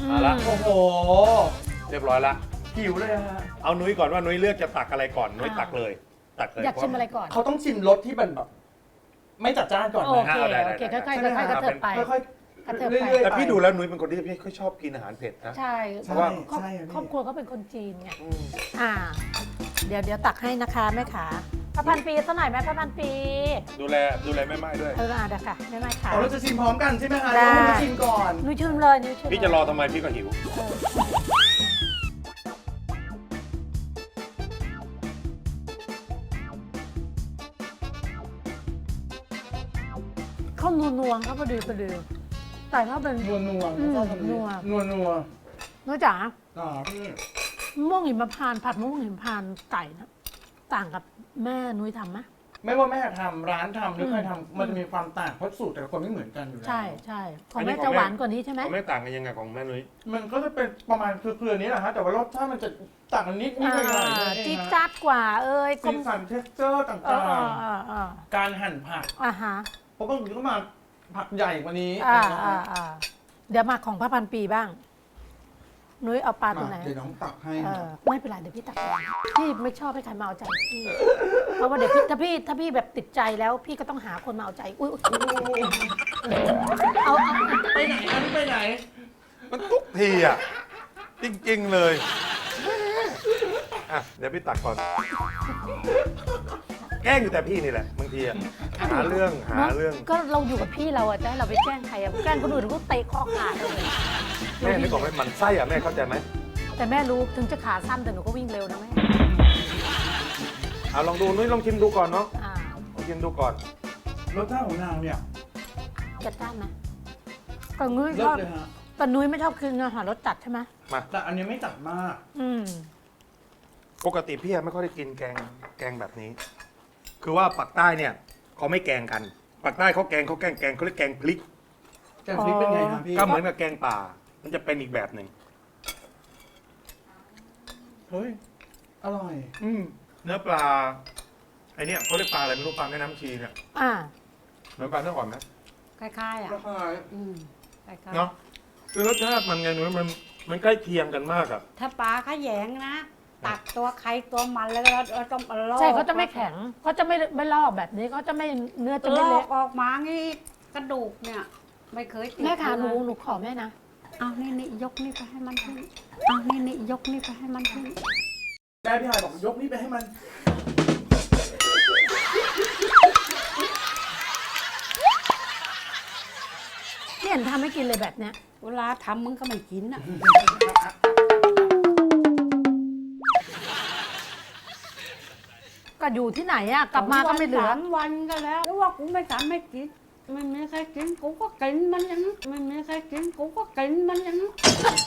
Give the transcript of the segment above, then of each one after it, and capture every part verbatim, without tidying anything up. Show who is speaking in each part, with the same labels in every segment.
Speaker 1: เอาละ
Speaker 2: โอ้โห
Speaker 1: เรียบร้อยละ
Speaker 2: หิวเลยฮะ
Speaker 1: เอานุ้ยก่อนว่านุ้ยเลือกจะตักอะไรก่อนนุ้ยตักเลย ตักเลย
Speaker 3: อยากชิมอะไรก่อน
Speaker 2: เขาต้องชิมรสที่มันแบบไม่จัดจ้านก่อน
Speaker 3: โอ
Speaker 2: นะ
Speaker 3: เค
Speaker 1: ได้ได้
Speaker 3: โอเค
Speaker 1: ได้
Speaker 3: ค่อยๆ
Speaker 2: ใช่ไหม
Speaker 3: ค่อยๆกระเถิบไป
Speaker 2: ค่อย
Speaker 3: กระเถิบ
Speaker 2: ๆ
Speaker 3: ไป
Speaker 2: เรื่อยๆ
Speaker 1: แต่
Speaker 2: ไป
Speaker 1: พี่ดูแล้วนุ้ยเป็นคนที่ไม่ค่อยชอบกินอาหารเผ็ดนะ
Speaker 3: ใช่
Speaker 2: ใช่
Speaker 3: เพราะว่าครอบ
Speaker 2: ใช่อะพี่
Speaker 3: ครอบครอบครัวเขาเป็นคนจีนไง
Speaker 1: อืม
Speaker 3: อ่า เดี๋ยวเดี๋ยวตักให้นะคะแม่ขาพระพันปีสักหน่อยไหมพระพันปี
Speaker 1: ดูแลดูแลแม่ไม้ด้วย
Speaker 3: เอออ่ะเดี๋ยวค่ะแม่ไม้ขา
Speaker 2: อ๋อเราจะชิมพร้อมกันใช่ไหมคะ
Speaker 3: ได้
Speaker 2: เราจะชิมก่อน
Speaker 3: นุ้ยชิมเลยนุ้ยชิม
Speaker 1: พี่จะรอทำไมพี่ก็หิว
Speaker 3: เออเขานัวนัวๆเขาพอดีพอดีแต่ถ้าเป็น
Speaker 2: นัวนัว
Speaker 3: อืม
Speaker 2: ชอบคำนี้
Speaker 3: นัว
Speaker 2: นัวนัว
Speaker 3: น้อยจ๋า
Speaker 2: อ่าพี่
Speaker 3: มะม่วงหิมพานต์ผัดมะม่วงหิมพานต์ไก่นะต่างกับแม่นุ้ยทำไหม
Speaker 2: ไม่ว่าแม่ทำร้านทำหรือ
Speaker 3: อืม
Speaker 2: ใครทำมันจะมีความต่างเพราะสูตรแต่ละคนไม่เหมือนกันอยู่แล้ว
Speaker 3: ใช่ใช่ของ
Speaker 1: อันนี้
Speaker 3: แม่
Speaker 1: ของ
Speaker 3: จะ
Speaker 1: แม่
Speaker 3: หวานกว่านี้ใช่ไหม
Speaker 1: เขาไม่ต่างกันยังไงของแม่นุ้ย
Speaker 2: มันก็จะเป็นประมาณเครือๆนี้แหละฮะแต่ว่ารสชาติมันจะต่างกันนิดนิดหน่อยหน่อย
Speaker 3: อ่าจี๊ดจ๊าดกว่า เอ้ยกล
Speaker 2: สี
Speaker 3: ม
Speaker 2: สันเท็กเจอร์ต่
Speaker 3: เออ
Speaker 2: าง
Speaker 3: เออเออ
Speaker 2: ๆ การหั่นผัก
Speaker 3: อ่าฮะ
Speaker 2: เพราะบางทีก็มาผักใหญ่กว่านี้
Speaker 3: อ่า
Speaker 2: นะ
Speaker 3: อ่า
Speaker 2: ฮะ
Speaker 3: อ่าเดี๋ยวมาของพระพันปีบ้าง นุ้ยเอาปลาตัวไหน
Speaker 2: มาเดี๋ยวน้องตักให้
Speaker 3: เอ
Speaker 2: นะ
Speaker 3: อไม่เป็นไรเดี๋ยวพี่ตักเองพี่ไม่ชอบให้ใครมาเอาใจพี่ เพราะว่าเดี๋ยวพี่ถ้าพี่ถ้าพี่แบบติดใจแล้วพี่ก็ต้องหาคนมาเอาใจอุ้ยอุ๊ยเอาเอา
Speaker 2: ไปไหนอันไปไหน
Speaker 1: มันทุกทีอ่ะ จริงๆเลยอ่ะเดี๋ยวพี่ตักก่อน แกล้งอยู่แต่พี่นี่แหละบางทีอ่ะหาเรื่องหาเรื่อง
Speaker 3: ก็เราอยู่กับพี่เราอะจะให้เราไปแกล้งใครอะแกล้งคนอื่นก็เตะคอขาดเลย
Speaker 1: แม่ไม่บอกให้มันไส้อ่ะแม่เข้าใจไหม
Speaker 3: แต่แม่รู้ถึงจะขาสั้นแต่หนูก็วิ่งเร็วนะแม่
Speaker 1: เอาลองดูนุ้ยลองชิมดูก่อนเนาะ
Speaker 3: อ่า
Speaker 1: ลองชิมดูก่อน
Speaker 2: รสชาติของนางเนี่ย
Speaker 3: จัดจ้านไหมแต่นุ้ย
Speaker 2: เลิ
Speaker 3: ช
Speaker 2: ศ
Speaker 3: อบ
Speaker 2: เลยฮะ
Speaker 3: แต่นุ้ยไม่ชอบกินอาหารรสจัดใช่ไหม
Speaker 1: มา
Speaker 2: แต่อันนี้ไม่จัดมาก
Speaker 3: อืม
Speaker 1: ปกติพี่ไม่ค่อยได้กินแกงแกงแบบนี้ คือว่าปักใต้เนี่ยเขาไม่แกงกันปักใต้เขาแกงเขาแกงแกงเขาเรียกแกงพริก
Speaker 2: แกงพริกเป็นไงครับพี่
Speaker 1: ก็เหมือนกับแกงป่า มันจะเป็นอีกแบบหนึ่ง
Speaker 2: เฮ้ยอร่อย
Speaker 1: อืมเนื้อปลาไอเนี่ยเขาเรียกปลาอะไรไม่รู้ปลาแม่น้ำชีเนี่ย
Speaker 3: อ่า
Speaker 1: เหมือนปลาเนื้ออ่อนไหม
Speaker 3: คล้ายๆอ่ะ
Speaker 2: ราคา
Speaker 3: อืมคล้ายๆ
Speaker 1: เนาะคือรสชาติมันไงนุ้ยมันมันใกล้เคียงกันมากอะ
Speaker 4: ถ้าปลาขยงนะ ตักตัวใครตัวมันแล้วเราเราต้องลอก
Speaker 3: ใช่เขาจะไม่แข็งเขาจะไม่ไม่ลอกแบบนี้เขาจะไม่เนื้อจะ
Speaker 4: ล
Speaker 3: ไม่
Speaker 4: อ
Speaker 3: เละ
Speaker 4: กออกมางี้กระดูกเนี่ย ไม่เคยติด
Speaker 3: แม่ขาหนู
Speaker 4: เลย
Speaker 3: หนูขอแม่นะ
Speaker 4: เอานี่นี่ยกนี่ไปให้มันขึ้นเอานี่นี่ยกนี่ไปให้มันขึ้น
Speaker 2: แม่พี่หายบอกยกนี่ไปให้มัน
Speaker 3: พี่เห็นทำให้กินเลยแบบเนี้ย
Speaker 4: เวลาทำมึงก็ไม่กินอ่ะ
Speaker 3: ก็อยู่ที่ไหนอ่ะกลับมาก็ไม่เหลือ
Speaker 4: สามวันก็แล้วแล้วว่ากูไม่ทำไม่กินไม่มีใครกินกูก็กินมันอย่างนั้นไม่มีใครกินกูก็กินมันอย่างนั้น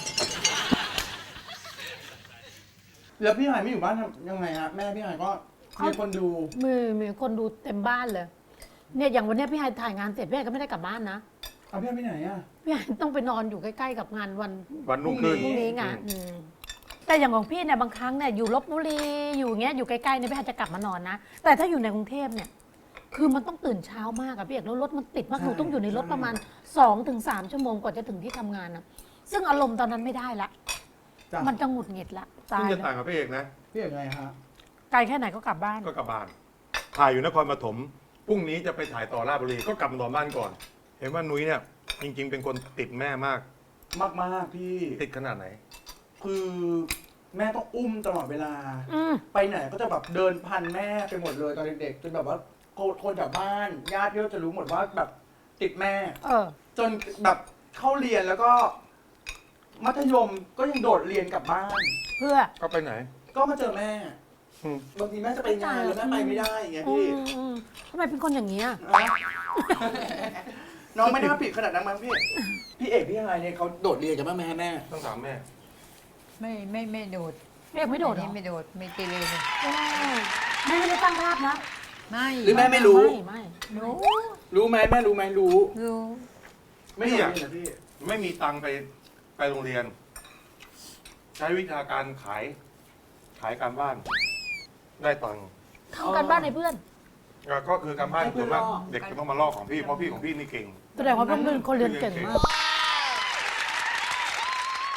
Speaker 2: แล้วพี่หายไม่อยู่บ้านทำยังไงฮะแม่พี่หายก็มีคนดู
Speaker 3: มีมีคนดูเต็มบ้านเลย เนี่ยอย่างวันเนี้ยพี่ไฮถ่ายงานเสร็จพี่ไฮก็ไม่ได้กลับบ้านนะ
Speaker 2: เอาพี่หายไปไหนอ่ะ
Speaker 3: พี่ไฮต้องไปนอนอยู่ใกล้ๆกับงานวัน
Speaker 1: วันรุ่งขึ้น
Speaker 3: พรุ่งนี้ไงอืมแต่อย่างของพี่เนี่ยบางครั้งเนี่ยอยู่ลบบุรีอยู่อย่างเงี้ยอยู่ใกล้ๆเนี่ยพี่ไฮจะกลับมานอนนะแต่ถ้าอยู่ในกรุงเทพเนี่ย คือมันต้องตื่นเช้ามากอะพี่เอกแล้วรถมันติดมากหนูต้องอยู่ในรถประมาณสองถึงสามชั่วโมงกว่าจะถึงที่ทำงานนะซึ่งอารมณ์ตอนนั้นไม่ได้ละ
Speaker 2: จ้ะ
Speaker 3: มันจะหงุดหงิดละตา
Speaker 1: ซึ่ง
Speaker 3: ย
Speaker 1: จะ
Speaker 3: แล้
Speaker 1: ต่าง
Speaker 3: ว
Speaker 1: กับพี่เอกนะ
Speaker 2: พี่อย่างไงฮะ
Speaker 3: ไกลแค่ไหนก็กลับบ้าน
Speaker 1: ก็กลับบ้าน ถ่ายอยู่นครปฐมพรุ่งนี้จะไปถ่ายต่อราชบุรีก็กลับมานอนบ้านก่อน เห็นว่านุ้ยเนี่ยจริง ๆ เป็นคนติดแม่มาก
Speaker 2: มากมากๆพี่
Speaker 1: ติดขนาดไหน
Speaker 2: คือแม่ต้องอุ้มตลอดเวลา
Speaker 3: อืม
Speaker 2: ไปไหนก็จะแบบเดินพันแม่ไปหมดเลยตอนเด็กๆจนแบบว่าคนคนแถวบ้านญาติพี่ก็จะรู้หมดว่าแบบติดแม่
Speaker 3: เออ
Speaker 2: จนแบบเข้าเรียนแล้วก็ มัธยมก็ยังโดดเรียนกลับบ้าน
Speaker 3: เพื่อ
Speaker 1: ก็ไปไหน
Speaker 2: ก็มาเจอแม่
Speaker 1: อืม
Speaker 2: บางทีแม่จะไปงานแล้วแม่ไปไม่ได้อย่างเงี้ย
Speaker 3: อื
Speaker 2: พี่
Speaker 3: มอืมทำไมเป็นคนอย่างนี้ย
Speaker 2: อ่ะน้องไม่น่าผิดขนาดนั้นมั้งพี่ พี่เอกพี่อะไรเนี่ยเขาโดดเรียนกับแม่แม่แม่
Speaker 1: ต้องถามแม่
Speaker 5: ไม่ไม่ไม่โดด
Speaker 3: พี่เอกไม่โดดเหร
Speaker 5: นี่
Speaker 3: อ
Speaker 5: ไม่โดดไม่เกเรเลย
Speaker 3: แม่ไม่ได้ตั้งภาพนะ
Speaker 5: ไม่
Speaker 2: หรือแม่ไม่รู้
Speaker 3: ไม่ไม่
Speaker 5: รู้
Speaker 2: รู้ไหมแม่รู้ไหมรู้
Speaker 5: รู้
Speaker 2: ไม่โดดเรียนเหรอพี่
Speaker 1: ไม่มีตังค์ไปไปโรงเรียน ใช้วิชาการขาย ขายการบ้าน ได้ตังค์
Speaker 3: ทำการบ้านในเพื่อน
Speaker 1: อ่ะก็คือการบ้าน
Speaker 2: ให้เพื่
Speaker 1: ส่
Speaker 2: อ
Speaker 1: วน นมาก
Speaker 2: ลอก
Speaker 1: เด็กจะต้องมาลอกของพี่เพราะพี่ของพี่นี่เก่ง
Speaker 3: แสดงว่าเพื่อนเป็นคนเรียนเก่งมาก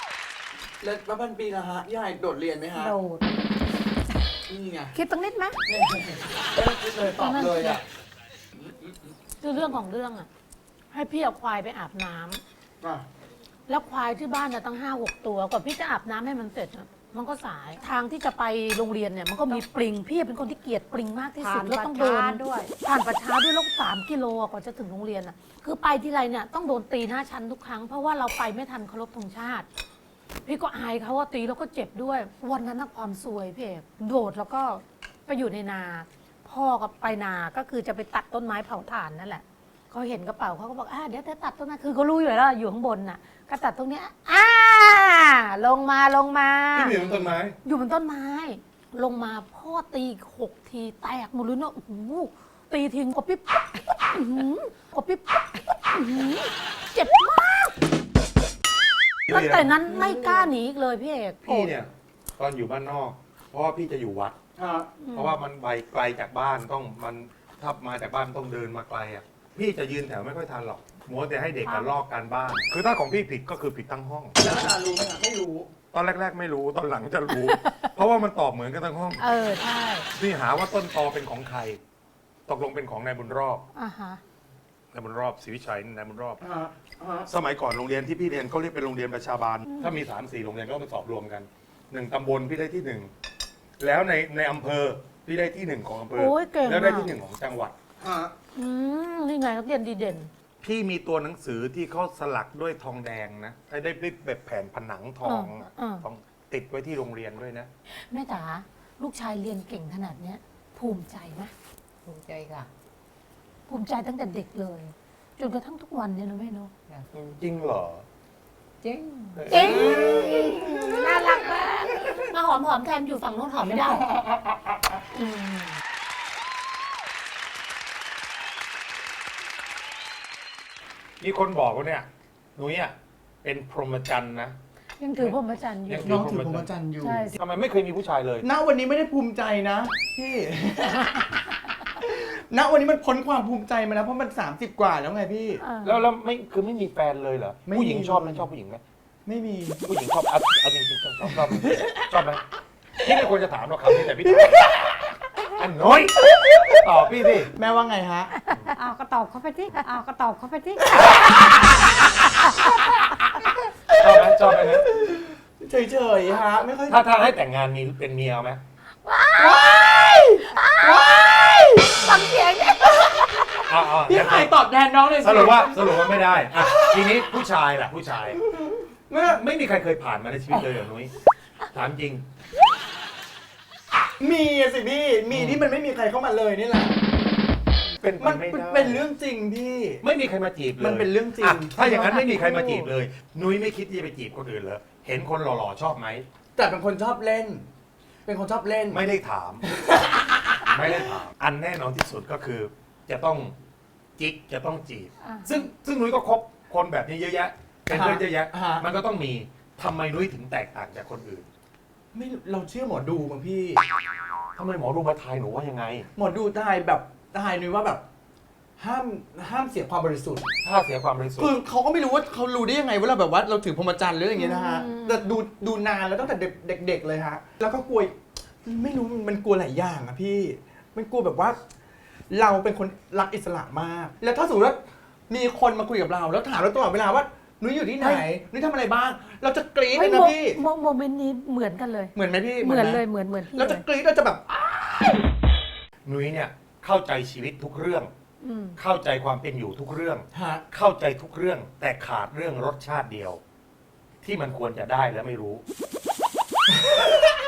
Speaker 2: แล้วป้าพันปีนะฮะยายโดดเรียนไหมฮะ
Speaker 3: โดด
Speaker 2: นี่ไง
Speaker 3: คิดตั้งนิดไหม
Speaker 2: เนี่ยไม่ต้องคิดเลยตอบเลยอ่ะ
Speaker 3: คือเรื่องของเรื่องอ่ะ ให้พี่เอาควายไปอาบน้ำ
Speaker 2: อ่ะ
Speaker 3: แล้วควายที่บ้านเนี่ยตั้งห้าหกตัวกว่าพี่จะอาบน้ำให้มันเสร็จอะมันก็สายทางที่จะไปโรงเรียนเนี่ยมันก็มีปลิงพี่เป็นคนที่เกลียดปลิงมากที่สุด
Speaker 4: ผ่าน
Speaker 3: แล้วต้องเดิน
Speaker 4: ประช้าด้วย
Speaker 3: ผ่านประช้าด้วยแล้วสามกิโลกว่าจะถึงโรงเรียนอ่ะคือไปที่ไรเนี่ยต้องโดนตีหน้าชั้นทุกครั้งเพราะว่าเราไปไม่ทันเคารพธงชาติ พี่ก็อายเขาว่าตีแล้วก็เจ็บด้วย วันนั้นน่ะความซวยพี่เอกโดดแล้วก็ไปอยู่ในนา พ่อก็ไปนาก็คือจะไปตัดต้นไม้เผาถ่านนั่นแหละเขาเห็นกระเป๋าเขาก็บอกอ่าเดี๋ยวจะตัดต้นไม้คือเขารู้อยู่แล้วอยู่ข้างบนน่ะก็ตัดตรงเนี้ยอ่าลงมาลงมา
Speaker 1: พี่อยู่บนต้นไม้
Speaker 3: อยู่บนต้นไม้ ลงมาพ่อตีหกทีแตกหมดเลยเนาะโอ้โหตีทิ้งกบปิ๊บอื้อหือกบปิ๊บอื้อหือเจ็บมากตั้งแต่นั้นไม่กล้าหนีอีกเลยพี่เอก
Speaker 1: พี่เนี่ยตอนอยู่บ้านนอก เพราะว่าพี่จะอยู่วัด
Speaker 2: ฮะ
Speaker 1: เพราะว่ามันไปไกลจากบ้านต้องมันถ้ามาจากบ้านต้องเดินมาไกลอ่ะพี่จะยืนแถวไม่ค่อยทันหรอกมัวแต่ให้เด็กกันลอกการบ้าน คือถ้าของพี่ผิดก็คือผิดทั้งห้อง
Speaker 2: แล้วอาจารย์รู้ไหมฮะไม่รู้
Speaker 1: ตอนแรก ๆ ไม่รู้ตอนหลังจะรู้ เพราะว่ามันตอบเหมือนกันทั้งห้อง
Speaker 3: เออใช่
Speaker 1: พี่หาว่าต้นตอเป็นของใคร ตกลงเป็นของนายบุญรอบ
Speaker 3: อ่าฮะ
Speaker 1: นายบุญรอบศรีวิชัยนายบุญรอบ
Speaker 2: ฮะฮะ
Speaker 1: สมัยก่อนโรงเรียนที่พี่เรียนเขาเรียกเป็นโรงเรียนประชาบาล ถ้ามีสามสี่โรงเรียนก็มาสอบรวมกันหนึ่งตำบลพี่ได้ที่หนึ่งแล้วในในอำเภอพี่ได้ที่หนึ่งของอำเภอ
Speaker 3: โอ้ยเก่ง
Speaker 1: แล้วได้
Speaker 3: อะ
Speaker 1: ที่หนึ่งของจังหวัด
Speaker 2: ฮะ
Speaker 3: อืมนี่ไงนักเรียนดีเด่น
Speaker 1: พี่มีตัวหนังสือที่เขาสลักด้วยทองแดงนะได้ได้แบบแผ่นผนังทองอะ
Speaker 3: อ่า
Speaker 1: ทองติดไว้ที่โรงเรียนด้วยนะ
Speaker 3: แม่จ๋าลูกชายเรียนเก่งขนาดเนี้ย ภูมิใจไหม
Speaker 5: ภูมิใจค่ะ
Speaker 3: ภูมิใจตั้งแต่เด็กเลย จนกระทั่งทุกวันเนี่ยนะแม่เนาะ
Speaker 1: จริงเหรอ
Speaker 5: จริง
Speaker 3: เอ๊ะน่ารักมากมาหอมหอมแทนอยู่ฝั่งโน้นหอมไม่ได้อืม
Speaker 1: มีคนบอกว่าเนี่ยนุ้ยอ่ะเป็นพรหมจรรย์นะ
Speaker 3: ยังถือพรหมจรรย์อยู่
Speaker 1: ยัง
Speaker 2: น้องถือพรหมจรรย์อยู่
Speaker 3: ใช่
Speaker 1: ทำไมไม่เคยมีผู้ชายเลย
Speaker 2: ณวันนี้ไม่ได้ภูมิใจนะพี่ ณวันนี้มันพ้นความภูมิใจมาแล้วเพราะมันสามสิบกว่าแล้วไงพี่
Speaker 3: อ่า
Speaker 1: แล้วแล้วไม่คือไม่มีแฟนเลยเหรอ
Speaker 2: ไม่มี
Speaker 1: ผู้หญิงชอบไหมชอบผู้หญิงไหม
Speaker 2: ไม่มี
Speaker 1: ผู้หญิงชอบเอาเอาจริงๆชอบชอบชอบชอบไหมพี่ไม่ควรจะถามหรอกคำนี้แต่พี่ถามอันน้อยตอบพี่สิ
Speaker 2: แม่ว่าไงฮะ
Speaker 4: อ้าวก็ตอบเขาไปที่อ้าวก็ตอบเขาไปที่
Speaker 1: ชอบไหมชอบไหมนะ
Speaker 2: เฉยๆฮะไม่ค่อย
Speaker 1: ถ้าถ้าให้แต่งงานมีเป็นเมียเอาไหม
Speaker 3: ฟังเสียงเนี่ย
Speaker 1: เอาเอา
Speaker 2: พี่ไข่ตอบแทนน้องเลย
Speaker 1: สรุปว่าสรุปว่าไม่ได้อ่ะทีนี้ผู้ชายล่ะผู้ชาย
Speaker 2: แม่
Speaker 1: ไม่มีใครเคยผ่านมาในชีวิตเลยเหรอนุ้ยถามจริง
Speaker 2: มีอะสิพี่ มีที่มันไม่มีใครเข้ามาเลยนี่แหละ
Speaker 1: เป็นไป
Speaker 2: มัน
Speaker 1: ไม่ได้
Speaker 2: เป็นเรื่องจริงพี่
Speaker 1: ไม่มีใครมาจีบเลย
Speaker 2: มันเป็นเรื่องจริง
Speaker 1: ะถ้าอย่างนั้นไม่มีใครมาจีบเลย นุ้ยไม่คิดที่จะไปจีบคนอื่นเหรอเห็นคนหล่อๆชอบไหม
Speaker 2: แต่เป็นคนชอบเล่น เป็นคนชอบเล่น
Speaker 1: ไม่ได้ถาม ไม่ได้ถาม อันแน่นอนที่สุดก็คือ จะต้องจิกจะต้องจีบ
Speaker 3: อ่า
Speaker 1: ซึ่งซึ่งนุ้ยก็คบคนแบบนี้เยอะแยะเป็นเพื่อนเยอะแยะ
Speaker 2: อ่าฮะ
Speaker 1: มันก็ต้องมีทำไมนุ้ยถึงแตกต่างจากคนอื่น
Speaker 2: ไม่เราเชื่อหมอดูมั้งพี่
Speaker 1: ทำไมหมอดูมาทายหนูว่ายังไง
Speaker 2: หมอดูทายแบบทายนุ้ยว่าแบบ ห้ามห้ามเสียความบริสุทธิ์
Speaker 1: ถ้าเสียความบริสุท
Speaker 2: คือ
Speaker 1: ธิ์
Speaker 2: เขาก็ไม่รู้ว่าเขารู้ได้ยังไงว่าเราแบบว่าเราถือพรหมจรรย์หรืออย่างเงี้ยนะฮะ
Speaker 3: อืม
Speaker 2: แต่ดูดูนานแล้วตั้งแต่เด็กๆเลยฮะ แล้วก็กลัวไม่รู้มันกลัวหลายอย่างอะพี่ มันกลัวแบบว่า เราเป็นคนรักอิสระมาก แล้วถ้าสมมติว่ามีคนมาคุยกับเรา แล้วถามเราตลอดเวลาว่านุ้ยอยู่ที่ไหนนุ้ยทำอะไรบ้าง เราจะกรี๊ดเลยนะพี่
Speaker 3: โมโมเมนต์นี้เหมือนกันเลย
Speaker 2: เหมือนไหมพี่
Speaker 3: เหมือน
Speaker 2: ไ
Speaker 3: เลยเหมือนเหมือนพี่
Speaker 2: เรา
Speaker 3: เล
Speaker 2: จะ
Speaker 3: ย
Speaker 2: กรี๊ดเราจะแบบ
Speaker 1: นุ้ยเนี่ยเข้าใจชีวิตทุกเรื่อง
Speaker 3: อืม
Speaker 1: เข้าใจความเป็นอยู่ทุกเรื่อง
Speaker 2: ฮะ
Speaker 1: เข้าใจทุกเรื่อง แต่ขาดเรื่องรสชาติเดียว ที่มันควรจะได้และไม่รู้